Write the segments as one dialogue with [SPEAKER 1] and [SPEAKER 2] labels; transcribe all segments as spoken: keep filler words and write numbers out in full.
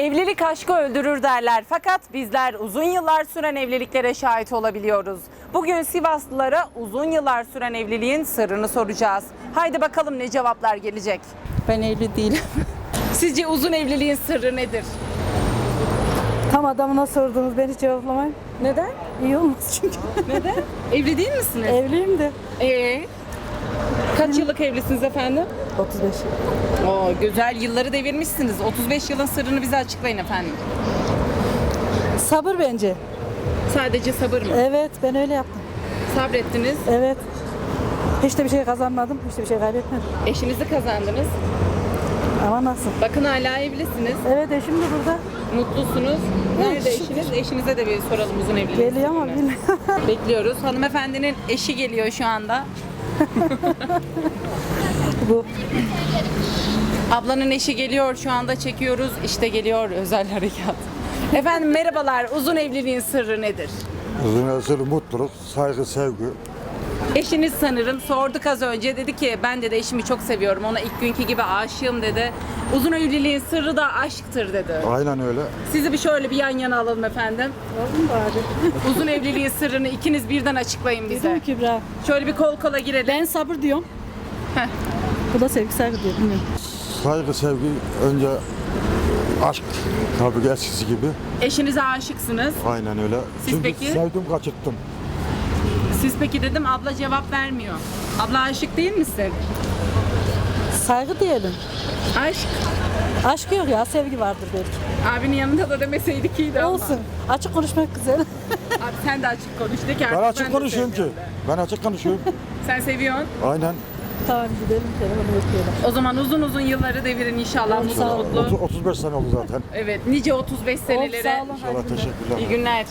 [SPEAKER 1] Evlilik aşkı öldürür derler fakat bizler uzun yıllar süren evliliklere şahit olabiliyoruz. Bugün Sivaslılara uzun yıllar süren evliliğin sırrını soracağız. Haydi bakalım ne cevaplar gelecek.
[SPEAKER 2] Ben evli değilim.
[SPEAKER 1] Sizce uzun evliliğin sırrı nedir?
[SPEAKER 2] Tam adamına sordunuz, beni cevaplamayın.
[SPEAKER 1] Neden?
[SPEAKER 2] İyi olmaz çünkü.
[SPEAKER 1] Neden? Evli değil misiniz?
[SPEAKER 2] Evliyim de.
[SPEAKER 1] Ee, kaç yıllık evlisiniz efendim?
[SPEAKER 2] otuz beş.
[SPEAKER 1] Oo, güzel yılları devirmişsiniz. otuz beş yılın sırrını bize açıklayın efendim.
[SPEAKER 2] Sabır bence.
[SPEAKER 1] Sadece sabır mı?
[SPEAKER 2] Evet, ben öyle yaptım.
[SPEAKER 1] Sabrettiniz,
[SPEAKER 2] Evet. Hiç de bir şey kazanmadım, hiç de bir şey kaybetmedim.
[SPEAKER 1] eşinizi kazandınız.
[SPEAKER 2] Ama nasıl?
[SPEAKER 1] Bakın hala evlisiniz,
[SPEAKER 2] Evet, eşim de burada.
[SPEAKER 1] mutlusunuz. Nerede eşiniz? Eşinize de bir soralım uzun evliliğin
[SPEAKER 2] Geliyor ama
[SPEAKER 1] sırrını.
[SPEAKER 2] bilmiyorum.
[SPEAKER 1] Bekliyoruz. Hanımefendinin eşi geliyor şu anda.
[SPEAKER 2] Bu.
[SPEAKER 1] Ablanın eşi geliyor şu anda, çekiyoruz. İşte geliyor özel harekat. Efendim merhabalar. Uzun evliliğin sırrı nedir?
[SPEAKER 3] Uzun ömürlü mutluluk, saygı, sevgi.
[SPEAKER 1] Eşiniz sanırım sorduk az önce, dedi ki ben de eşimi çok seviyorum, ona ilk günkü gibi aşığım dedi. Uzun evliliğin sırrı da aşktır dedi.
[SPEAKER 3] Aynen öyle.
[SPEAKER 1] Sizi bir şöyle bir yan yana alalım efendim.
[SPEAKER 2] Oğlum bari.
[SPEAKER 1] Uzun evliliğin sırrını ikiniz birden açıklayın bize.
[SPEAKER 2] Dedim Kübra.
[SPEAKER 1] Şöyle bir kol kola girelim.
[SPEAKER 2] Ben sabır diyorum.
[SPEAKER 1] Heh.
[SPEAKER 2] Bu da sevgi saygı diyor, bilmiyorum.
[SPEAKER 3] Saygı, sevgi, önce aşk. Tabii ki eskisi gibi.
[SPEAKER 1] Eşinize aşıksınız.
[SPEAKER 3] Aynen öyle.
[SPEAKER 1] Siz
[SPEAKER 3] Çünkü
[SPEAKER 1] peki?
[SPEAKER 3] sevdim, kaçırttım.
[SPEAKER 1] Siz peki dedim, abla cevap vermiyor. Abla aşık değil misin?
[SPEAKER 2] Saygı diyelim.
[SPEAKER 1] Aşk.
[SPEAKER 2] Aşk yok ya, sevgi vardır belki.
[SPEAKER 1] Abinin yanında da demeseydik iyiydi ama.
[SPEAKER 2] Olsun. Açık konuşmak güzel.
[SPEAKER 1] Abi sen de açık konuş de ki artık
[SPEAKER 3] Ben açık
[SPEAKER 1] de
[SPEAKER 3] konuşuyorum ki.
[SPEAKER 1] seviyorum de.
[SPEAKER 3] Ben açık konuşuyorum.
[SPEAKER 1] Sen seviyorsun.
[SPEAKER 3] Aynen.
[SPEAKER 2] Tamam, gidelim, telefonu bekleyelim.
[SPEAKER 1] O zaman uzun uzun yılları devirin inşallah, mutlu
[SPEAKER 2] sağ olun.
[SPEAKER 1] mutlu.
[SPEAKER 3] otuz, otuz beş sene oldu zaten.
[SPEAKER 1] Evet, nice otuz beş senelere.
[SPEAKER 2] Sağ olun.
[SPEAKER 3] İnşallah,
[SPEAKER 2] Hadi.
[SPEAKER 3] teşekkürler.
[SPEAKER 1] İyi günler.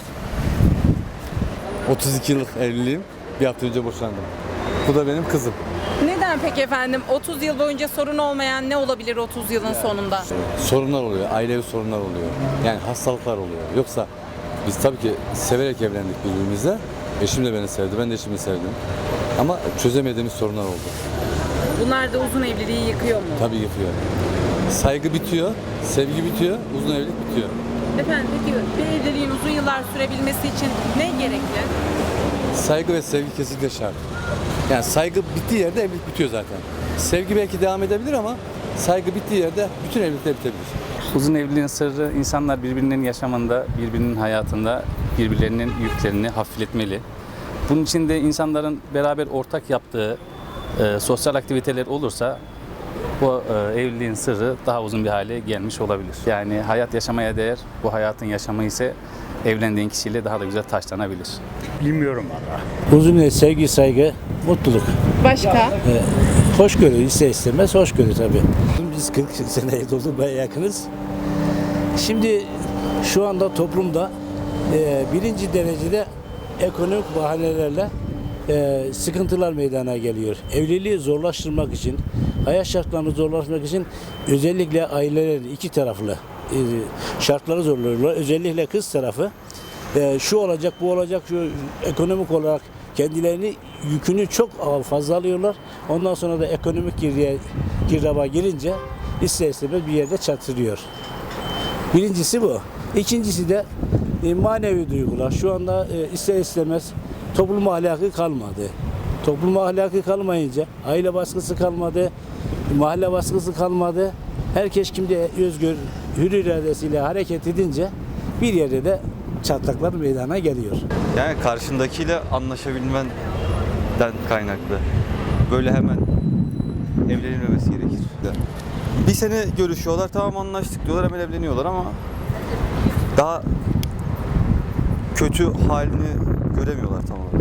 [SPEAKER 4] otuz iki yıllık evliliğim. Bir hafta önce boşandım. Bu da benim kızım.
[SPEAKER 1] Neden peki efendim? otuz yıl boyunca sorun olmayan ne olabilir otuz yılın sonunda?
[SPEAKER 4] Sorunlar oluyor, ailevi sorunlar oluyor. Yani hastalıklar oluyor. Yoksa biz tabii ki severek evlendik birbirimizle. Eşim de beni sevdi, ben de eşimi sevdim. Ama çözemediğimiz sorunlar oldu.
[SPEAKER 1] Bunlar da uzun evliliği yıkıyor mu?
[SPEAKER 4] Tabii yıkıyor. Saygı bitiyor, sevgi bitiyor, uzun evlilik bitiyor.
[SPEAKER 1] Efendim peki bir evliliğin uzun yıllar sürebilmesi için ne gerekli?
[SPEAKER 4] Saygı ve sevgi kesinlikle şart. Yani saygı bittiği yerde evlilik bitiyor zaten. Sevgi belki devam edebilir ama saygı bittiği yerde bütün evlilikler bitebilir.
[SPEAKER 5] Uzun evliliğin sırrı, insanlar birbirinin yaşamında, birbirinin hayatında birbirlerinin yüklerini hafifletmeli. Bunun için de insanların beraber ortak yaptığı e, sosyal aktiviteler olursa bu e, evliliğin sırrı daha uzun bir hale gelmiş olabilir. Yani hayat yaşamaya değer, bu hayatın yaşamı ise evlendiğin kişiyle daha da güzel taşlanabilir.
[SPEAKER 6] Bilmiyorum valla. Uzun sevgi, saygı, mutluluk.
[SPEAKER 1] Başka?
[SPEAKER 6] Hoşgörü ister istemez hoşgörü tabii. Biz kırk seneye doldurmaya yakınız. Şimdi şu anda toplumda e, birinci derecede ekonomik bahanelerle e, sıkıntılar meydana geliyor. Evliliği zorlaştırmak için, hayat şartlarını zorlaştırmak için özellikle ailelerin iki taraflı e, şartları zorluyorlar. Özellikle kız tarafı e, şu olacak, bu olacak, şu ekonomik olarak kendilerini yükünü çok fazla alıyorlar. Ondan sonra da ekonomik girdiğe, girdaba girince ister istemez bir yerde çatırıyor. Birincisi bu. İkincisi de e, manevi duygular. Şu anda e, ister istemez toplum ahlakı kalmadı. Toplum ahlakı kalmayınca aile baskısı kalmadı, mahalle baskısı kalmadı. Herkes şimdi özgür, hür iradesiyle hareket edince bir yerde de çatlaklar meydana geliyor.
[SPEAKER 7] Yani karşındakiyle anlaşabilmenden kaynaklı. Böyle hemen evlenilmemesi gerekir. Bir sene görüşüyorlar, tamam anlaştık diyorlar, hemen evleniyorlar ama daha kötü halini göremiyorlar tam olarak.